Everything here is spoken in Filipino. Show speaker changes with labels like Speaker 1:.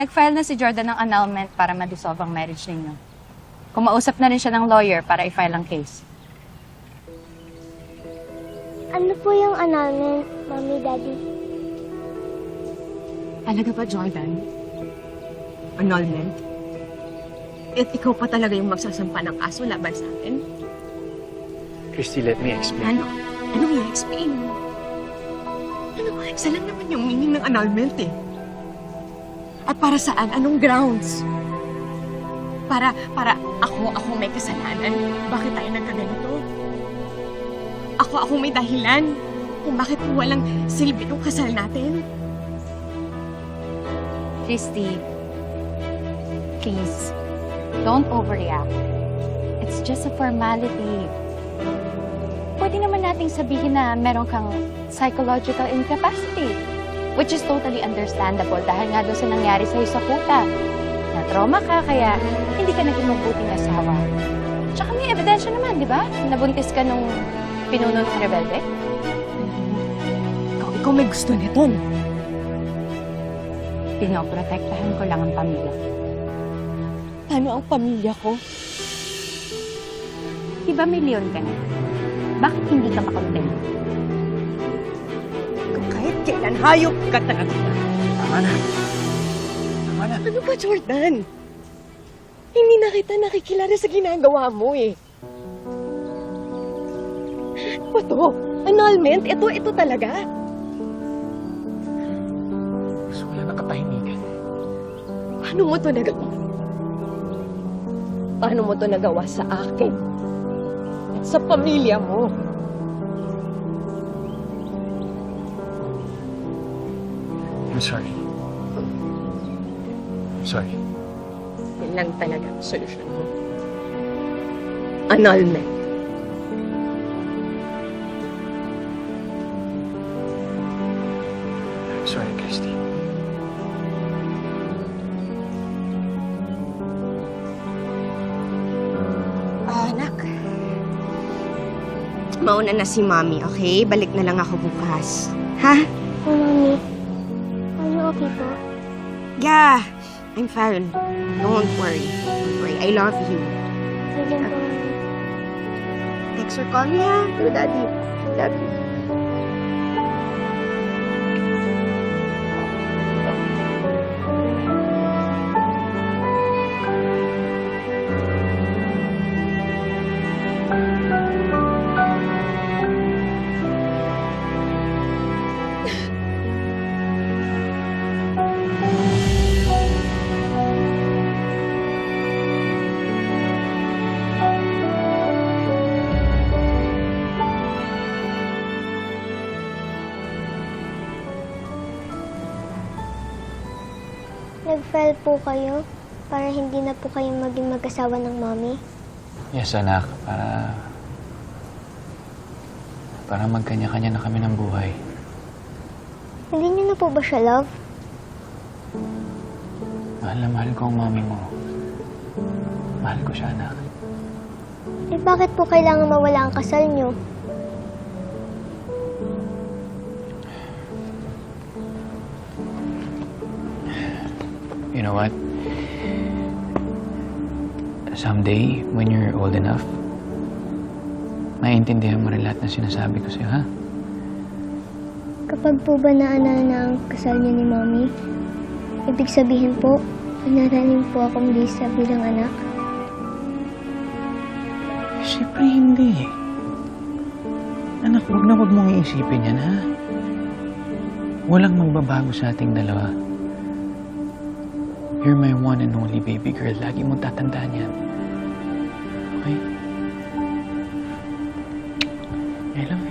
Speaker 1: Nag-file na si Jordan ng annulment para ma-dissolve ang marriage ninyo. Kumausap na rin siya ng lawyer para i-file ang case.
Speaker 2: Ano po yung annulment, Mommy, Daddy?
Speaker 3: Talaga ba, Jordan? Annulment? At ikaw pa talaga yung magsasampa ng kaso laban sa akin?
Speaker 4: Christy, let me explain.
Speaker 3: Ano? Anong i-explain mo? Ano? Isa lang naman yung meaning ng annulment eh. At para saan? Anong grounds? Para ako may kasalanan. Bakit tayo nagkaganito? Ako may dahilan kung bakit walang silbi yung kasal natin.
Speaker 1: Christy, please, don't overreact. It's just a formality. Pwede naman nating sabihin na meron kang psychological incapacity, which is totally understandable dahil nga doon sa nangyari sa'yo sa kuta. Na-trauma ka, kaya hindi ka naging mabuting asawa. Tsaka may ebidensya naman, di ba? Nabuntis ka nung pinuno ng rebelde.
Speaker 3: Ikaw may gusto nito.
Speaker 1: Pinoprotektahan ko lang ang pamilya.
Speaker 3: Ano ang pamilya ko?
Speaker 1: Di ba may leon ka na? Bakit hindi ka makontento?
Speaker 3: Kung kahit kailan, hayop ka talaga.
Speaker 4: Tama na. Tama na.
Speaker 3: Ano ba, Jordan? Hindi na kita nakikilala sa ginagawa mo eh. Ano ba to? Annulment? Ito talaga?
Speaker 4: Gusto ko lang ng katahimikan.
Speaker 3: Paano mo to nagawa? Paano mo to nagawa sa akin? At sa pamilya mo?
Speaker 4: I'm sorry. I'm sorry.
Speaker 3: Yan lang talaga ang solusyon mo. Annulment.
Speaker 4: I'm sorry, Christy.
Speaker 3: Anak. Mauna na si Mommy, okay? Balik na lang ako bukas. Ha?
Speaker 2: Po, Mommy. Ano okay po?
Speaker 3: Yeah, I'm fine. Don't worry. Don't worry. I love you.
Speaker 2: Sige po, Mommy.
Speaker 3: Text or call me, ha? To Daddy. Love you.
Speaker 2: Nag-file po kayo para hindi na po kayong maging mag-asawa ng Mommy?
Speaker 4: Yes, anak. Para magkanya-kanya na kami ng buhay.
Speaker 2: Hindi niyo na po ba siya love?
Speaker 4: Mahal na mahal ko ang mami mo. Mahal ko siya, anak.
Speaker 2: Eh bakit po kailangan mawala ang kasal niyo?
Speaker 4: You know what? Someday, when you're old enough, maiintindihan mo rin lahat ng sinasabi ko sa'yo, ha?
Speaker 2: Kapag po ba naanal na ang kasal niyo ni Mommy, ibig sabihin po, manaranin po akong Lisa bilang anak?
Speaker 4: Siyempre hindi. Anak, wag mong iisipin yan, ha? Walang magbabago sa ating dalawa. You're my one and only baby girl. Lagi mong tatandaan yan. Okay? I love you.